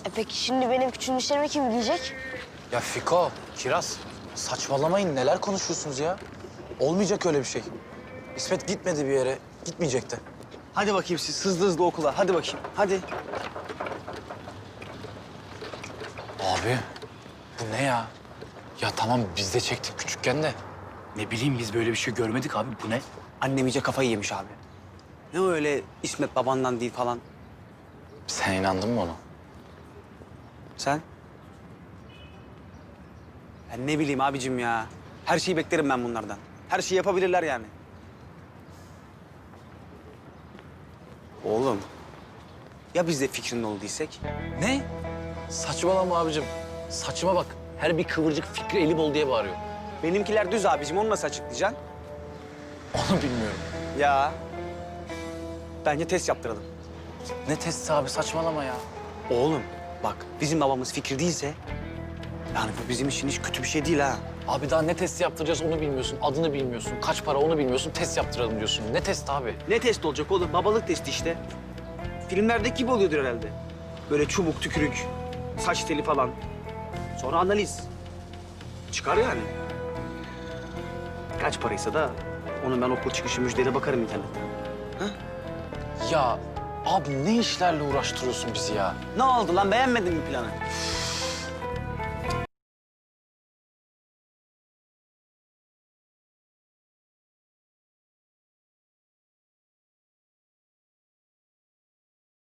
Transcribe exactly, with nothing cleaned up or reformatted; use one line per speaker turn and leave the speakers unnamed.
E peki şimdi benim küçülmüşlerimi kim giyecek?
Ya Fiko, Kiraz, saçmalamayın. Neler konuşuyorsunuz ya? Olmayacak öyle bir şey. İsmet gitmedi bir yere, gitmeyecek de.
Hadi bakayım siz hızlı hızlı okula. Hadi bakayım. Hadi.
Abi, bu ne ya? Ya tamam biz de çektik küçükken de.
Ne bileyim biz böyle bir şey görmedik abi. Bu ne?
Annem iyice kafayı yemiş abi. Ne öyle İsmet babandan değil falan.
Sen inandın mı ona?
Sen? Ben ne bileyim abicim ya. Her şeyi beklerim ben bunlardan. Her şeyi yapabilirler yani. Oğlum. Ya biz de fikrinin olduysak?
Ne? Saçmalama abicim. Saçma bak. Her bir kıvırcık Fikri eli bol diye bağırıyor.
Benimkiler düz abicim. Onu nasıl açıklayacaksın?
Onu bilmiyorum.
Ya. Bence test yaptıralım.
Ne testi abi saçmalama ya.
Oğlum bak bizim babamız fikir değilse... yani bu bizim için hiç kötü bir şey değil ha.
Abi daha ne testi yaptıracağız onu bilmiyorsun. Adını bilmiyorsun. Kaç para onu bilmiyorsun. Test yaptıralım diyorsun. Ne test abi?
Ne test olacak oğlum? Babalık testi işte. Filmlerdeki gibi oluyordur herhalde. Böyle çubuk, tükürük, saç teli falan. Sonra analiz. Çıkar yani. Kaç paraysa da onu ben okul çıkışı müjdeyle bakarım internetten.
Ya abi ne işlerle uğraştırıyorsun bizi ya?
Ne oldu lan? Beğenmedin mi planı?
Üf,